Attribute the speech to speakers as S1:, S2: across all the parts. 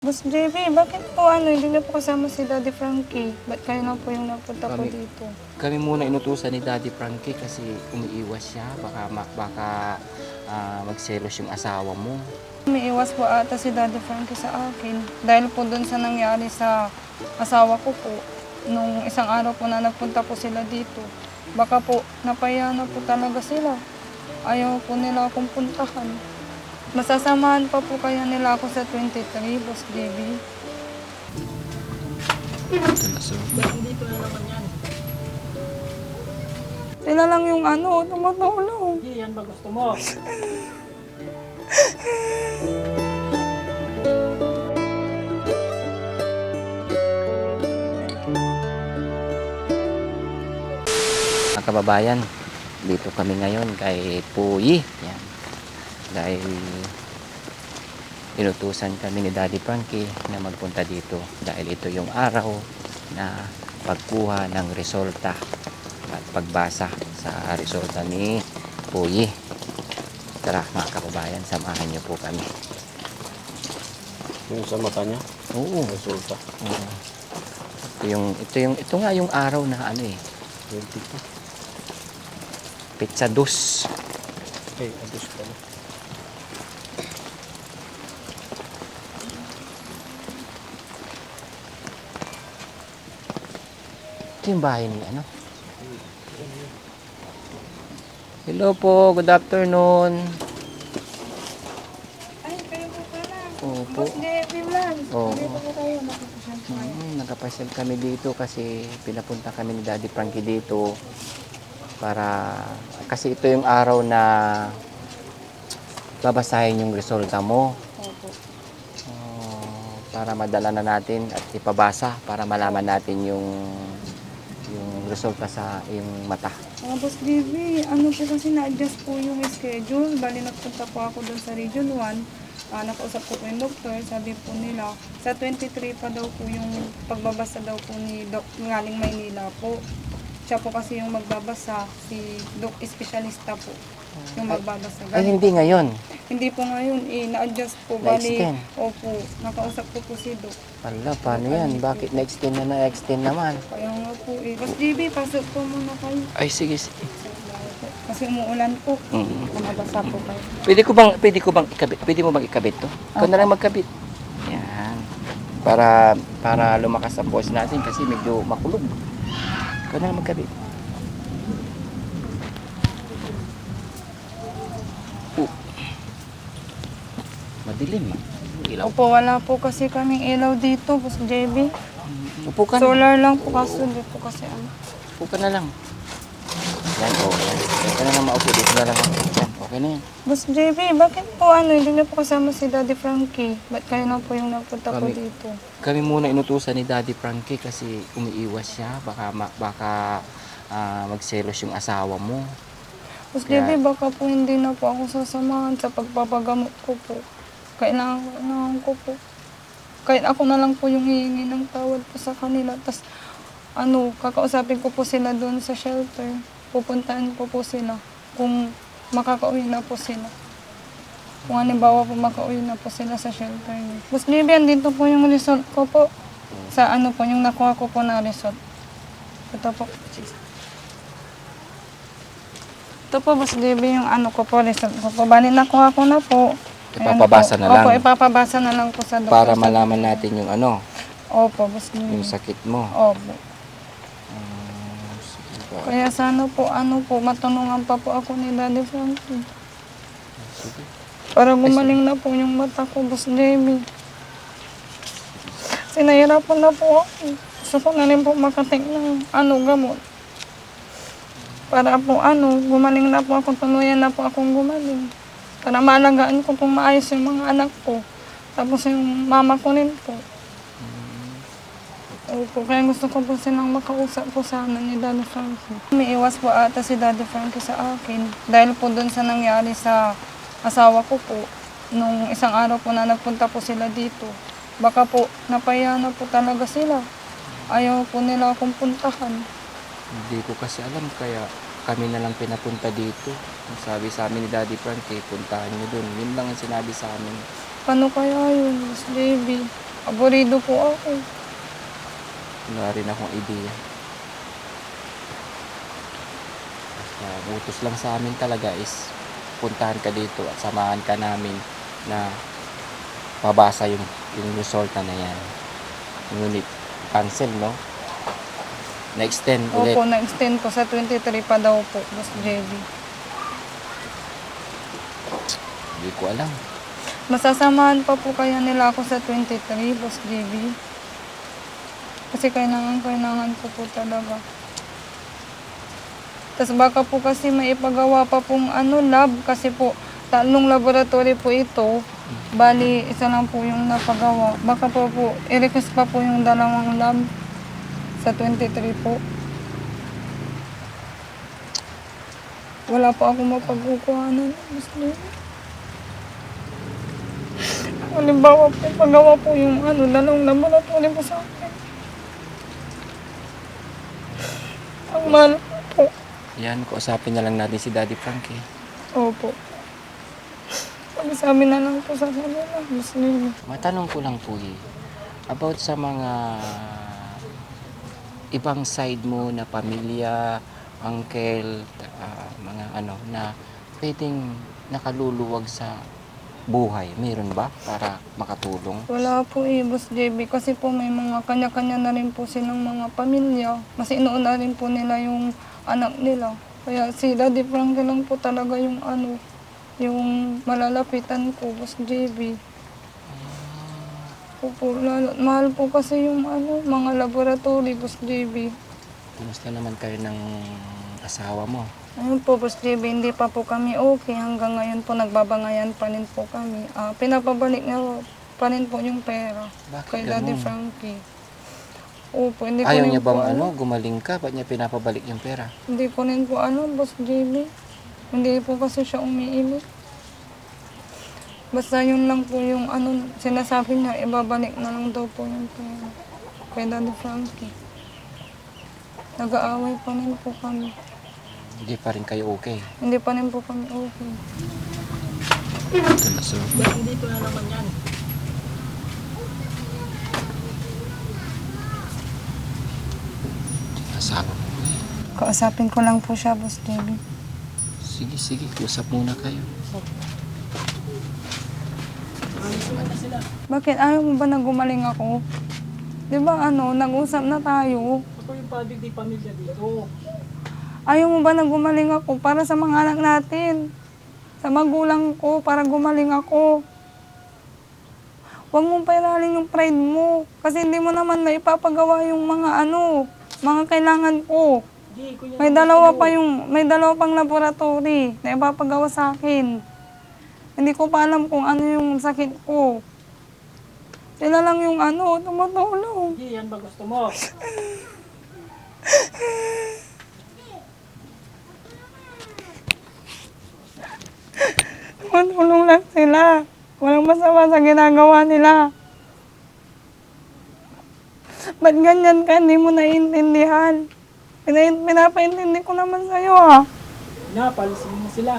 S1: Boss JB, bakit po hindi niyo po kasama si Daddy Frankie? Ba't kayo lang po yung napunta po dito?
S2: Kami muna inutusan ni Daddy Frankie kasi umiiwas siya. Baka magselos yung asawa mo.
S1: May iwas po ata si Daddy Frankie sa akin. Dahil po dun sa nangyari sa asawa ko po, nung isang araw po na nagpunta po sila dito. Baka po napaya na po talaga sila. Ayaw po nila akong puntahan. Masasamahan pa po kaya nila ako sa 23, Boss JB. Sila lang yung tumutulong.
S3: Hindi, yan ba gusto mo?
S2: Mga kababayan, dito kami ngayon kay Puyi. Yan. Dahil inutusan kami ni Daddy Frankie na magpunta dito dahil ito yung araw na pagkuha ng resulta at pagbasa sa resulta ni Puyi. Tara mga kababayan, samahan niyo po kami.
S3: Yung sa mata niya,
S2: Oo.
S3: resulta.
S2: Oo. Ito nga yung araw na
S3: 22.
S2: Pizza dos.
S3: Ay, adus pala.
S2: Ito yung bahay ni Hello po, good afternoon.
S1: Ay, kayo po pala.
S2: Opo.
S1: Boss JB Vlog.
S2: Oo.
S1: Dito po kayo, nakikusyan po kayo.
S2: Nagkapasyal kami dito kasi pinapunta kami ni Daddy Frankie dito kasi ito yung araw na babasahin yung resulta mo.
S1: Opo.
S2: Para madala na natin at ipabasa para malaman natin yung resulta sa iyong mata.
S1: Boss JB, po kasi na-adjust po yung schedule. Bali, nagpunta po ako doon sa Region 1. Nakausap ko po yung doktor. Sabi po nila, sa 23 pa daw po yung pagbabasa daw po ni Doc Ngaling Maynila po. Siya po kasi yung magbabasa, si Doc Espesyalista po yung magbabasa.
S2: Ay, hindi ngayon.
S1: Hindi po ngayon, na-adjust po. Bali,
S2: Na-extend.
S1: opo, nakausap ko po si Doc.
S2: Wala, paano yan? Bakit na-extend naman?
S1: Kaya nga po Boss JB, pasok po muna kayo.
S2: Ay, sige, sige.
S1: Kasi umuulan po.
S2: Mm.
S1: Mabasa po kayo.
S2: Pwede ko bang ikabit? Pwede mo bang ikabit to? Ikaw na lang magkabit. Yan. Para lumakas ang boses natin kasi medyo makulog. Ikaw na lang magkabit. Madilim. Ilaw.
S1: Opo, wala po kasi kaming ilaw dito, Boss JB.
S2: Upo ka na.
S1: Solar lang po kaso, hindi po kasi
S2: Upo ka na lang. Yan, okay. Yan ka na lang maupo. Dito na lang ako. Yan, okay na yan.
S1: Boss JB, bakit po hindi niyo po kasama si Daddy Frankie? Ba't kayo na po yung napunta po
S2: Kami-
S1: dito?
S2: Kami muna inutusan ni Daddy Frankie kasi umiiwas siya. Baka magselos yung asawa mo.
S1: Boss
S2: Kaya-
S1: JB, baka po hindi na po ako sasamahan sa pagpapagamot ko po. Kailangan ko po. Kahit ako na lang po yung hihingi ng tawad po sa kanila. Tapos, kakausapin ko po sila doon sa shelter. Pupuntahan ko po sila kung makakauwi na po sila. Kung halimbawa po makauwi na po sila sa shelter niyo. Boss JB, andito po yung result ko po. Sa yung nakuha ko po na result. Ito po. Ito po, Boss JB, yung ko po, result ko po. Bali, nakuha ko na po. Ayan
S2: Ipapabasa
S1: po.
S2: na lang.
S1: Opo, ipapabasa na lang po sa doktor.
S2: Para malaman natin yung
S1: Opo, Boss JB.
S2: yung sakit mo.
S1: Opo.
S2: Sige ba?
S1: Kaya sana po, matulungan pa po ako ni Daddy Frankie.
S2: Sige.
S1: Para gumaling na po yung mata ko, Boss JB. Sinahirapan na po ako. Gusto ko na rin po makating ng gamot. Para po gumaling na po ako, tuluyan na po akong gumaling. Para maalagaan ko kung maayos yung mga anak ko. Tapos yung mama ko rin po. Opo, kaya gusto ko po silang makausap po sana ni Daddy Frankie. May iwas po ata si Daddy Frankie sa akin. Dahil po dun sa nangyari sa asawa ko po, nung isang araw po na nagpunta po sila dito. Baka po napaya na po talaga sila. Ayaw po nila akong puntahan.
S2: Hindi ko kasi alam kaya kami na lang pinapunta dito. Ang sabi sa amin ni Daddy Frankie, puntahan nyo dun. Yun lang ang sinabi sa amin.
S1: Paano kaya yun, Miss Baby? Aburido po ako.
S2: Wala rin akong idea. Basta utos lang sa amin talaga is puntahan ka dito at samahan ka namin na mabasa yung resulta na yan. Ngunit cancel, no? Na-extend ulit.
S1: Opo, na-extend po sa 23 pa daw po, Boss JB.
S2: Hindi ko alam.
S1: Masasamahan pa po kaya nila ako sa 23, Boss JB. Kasi kailangan ko po talaga. Tapos baka po kasi may ipagawa pa pong lab. Kasi po, 3 laboratory po ito. Bali, isa lang po yung napagawa. Baka po i-request pa po yung 2 lab sa 23 po. Wala po ako mapagkukuhanan, Boss JB. Halimbawa po, pagawa po yung 2 laboratory po sa akin. Ang mahal po.
S2: Yan, kausapin na lang natin si Daddy Frankie.
S1: Opo. Pag-sabi na lang po sa kanila, Boss JB.
S2: Matanong ko lang po about sa mga ibang side mo na pamilya, uncle, mga na pwedeng nakaluluwag sa buhay. Meron ba para makatulong?
S1: Wala po Boss JB. Kasi po may mga kanya-kanya na rin po silang mga pamilya. Mas inuuna na rin po nila yung anak nila. Kaya si Daddy Frankie lang po talaga yung yung malalapitan ko, Boss JB. Opo, mahal po kasi yung mga laboratory, Boss JB.
S2: Kumusta naman kayo ng asawa mo?
S1: Ayun po, Boss JB, hindi pa po kami okay. Hanggang ngayon po, nagbabangayan pa rin po kami. Pinapabalik nga pa rin po yung pera.
S2: Bakit
S1: Kay Daddy
S2: ganun?
S1: Frankie. Opo, hindi ko
S2: Ayaw
S1: rin
S2: niya
S1: po
S2: bang gumaling ka? Ba't niya pinapabalik yung pera?
S1: Hindi ko rin po Boss JB. Hindi po kasi siya umiimik. Basta yun lang po yung sinasabi niya, ibabalik na lang daw po yung pera. Kay Daddy Frankie. Nag-aaway pa rin po kami.
S2: Hindi pa rin kayo okay.
S1: Hindi pa rin po kami okay.
S2: Ito na, sir.
S3: Dito na naman yan.
S2: Asawa mo.
S1: Kausapin ko lang po siya, Boss JB.
S2: Sige, sige. Usap muna kayo.
S1: Bakit? Ayaw mo ba na gumaling ako? Di ba nag-usap na tayo?
S3: Ako yung di pamilya dito.
S1: Ayaw mo ba na gumaling ako para sa mga anak natin? Sa magulang ko, para gumaling ako. Huwag mong pairalin yung pride mo. Kasi hindi mo naman na ipapagawa yung mga mga kailangan ko. May dalawa pang laboratory na ipapagawa sa akin. Hindi ko pa alam kung ano yung sakit ko. Sila lang yung tumutulong.
S3: Hindi, yan ba gusto mo?
S1: Tumutulong lang sila. Walang masama sa ginagawa nila. Ba't ganyan ka? Hindi mo naiintindihan. Pinapaintindi ko naman sa'yo
S3: Palisin mo sila.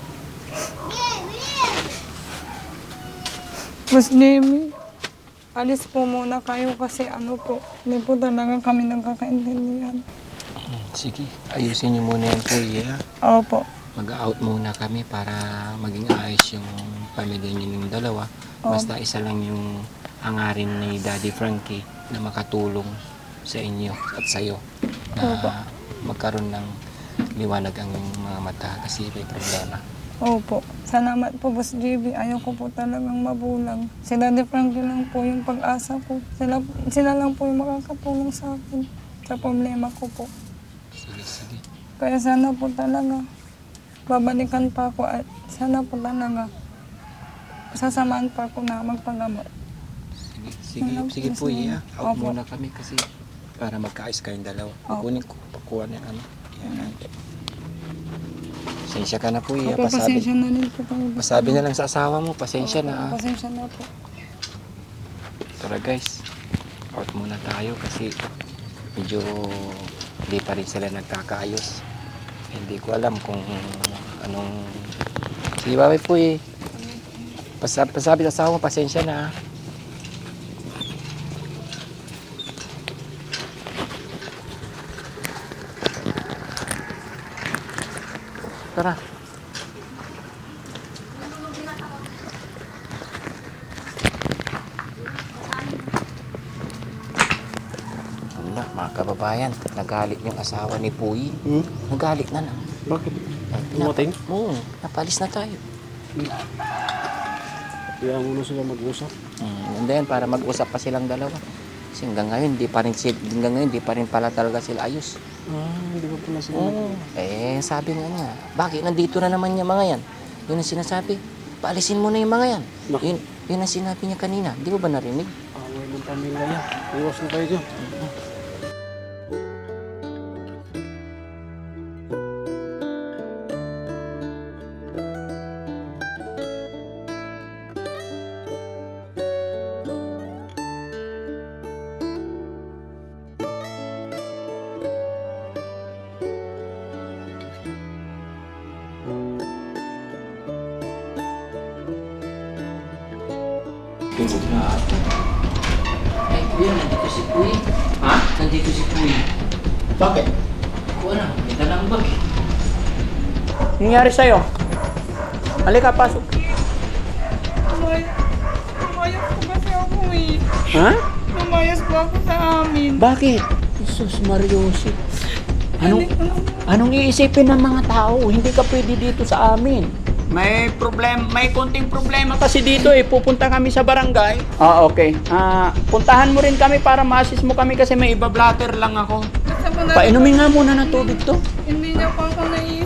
S1: Boss Jimmy, alis po muna kayo kasi po, hindi po talaga kami nagkakaintindihan.
S2: Sige, ayusin niyo muna yung kuya.
S1: Opo.
S2: Mag-out muna kami para maging ayos yung pamilya niyo ng dalawa. Basta isa lang yung hangarin ni Daddy Frankie na makatulong sa inyo at sa'yo na magkaroon ng liwanag ang mga mata kasi may problema.
S1: Opo. Salamat po, Boss JB. Ayaw ko po talagang mabulang. Si Daddy Frankie lang po yung pag-asa ko. Sila lang po yung makakatulong sa akin sa problema ko po.
S2: Sige, sige.
S1: Kaya sana po talaga, babalikan pa ako at sana po talaga, sasamahan pa ako na magpagamot.
S2: Sige, sige,
S1: Salamat
S2: sige
S1: po
S2: po,
S1: sa inyo.
S2: iya. Out
S1: Opo.
S2: muna kami kasi para magkaayos kayong dalawa. Kukunin ko, pakuha na yan. Pasensya ka na po, iya.
S1: Opo, pasensya na rin po kayo.
S2: Pasabi na lang sa asawa mo, pasensya na.
S1: Pasensya na po.
S2: Tara guys, out muna tayo kasi medyo hindi pa rin sila nagkakaayos. Hindi ko alam kung anong... Sige, bye po eh. Pasabi sa asawa mo, pasensya na. tara. Wala, mga kababayan, nagalit yung asawa ni Puyi. Nagalit na.
S4: Bakit?
S2: Pinapa-
S4: Dumating?
S2: Oo, napalis na tayo.
S4: Kaya muna sila mag-usap.
S2: And then, para mag-usap pa silang dalawa. Kasi hanggang ngayon, di pa rin pala talaga sila ayos.
S4: Hindi ba pala sila
S2: Oo. Sabi nga niya, bakit nandito na naman yung mga yan? Yun ang sinasabi, paalisin mo na yung mga yan.
S4: Naku.
S2: Yun ang sinabi niya kanina. Di mo ba narinig?
S4: away ng pamilya yan? Iwas na kayo dyan.
S2: Tulog na ata. Ay, kuya, nandito si Puy. Ha? Nandito si Puy.
S5: Bakit?
S2: Kuha na, may dalang bag.
S5: Nangyari sa'yo? Halika, pasok.
S1: Lumayas po kasi ako eh.
S5: Ha?
S1: Lumayas po ako sa amin.
S5: Bakit? Jesus Mariosi. Anong iisipin ng mga tao? Hindi ka pwede dito sa amin. May konting problema kasi dito eh. Pupunta kami sa barangay. Okay. Puntahan mo rin kami para ma-assist mo kami kasi may iba-blatter lang ako.
S1: Basta po na,
S5: Painumin nga muna ng tubig to.
S1: hindi niya po ako naiiwan.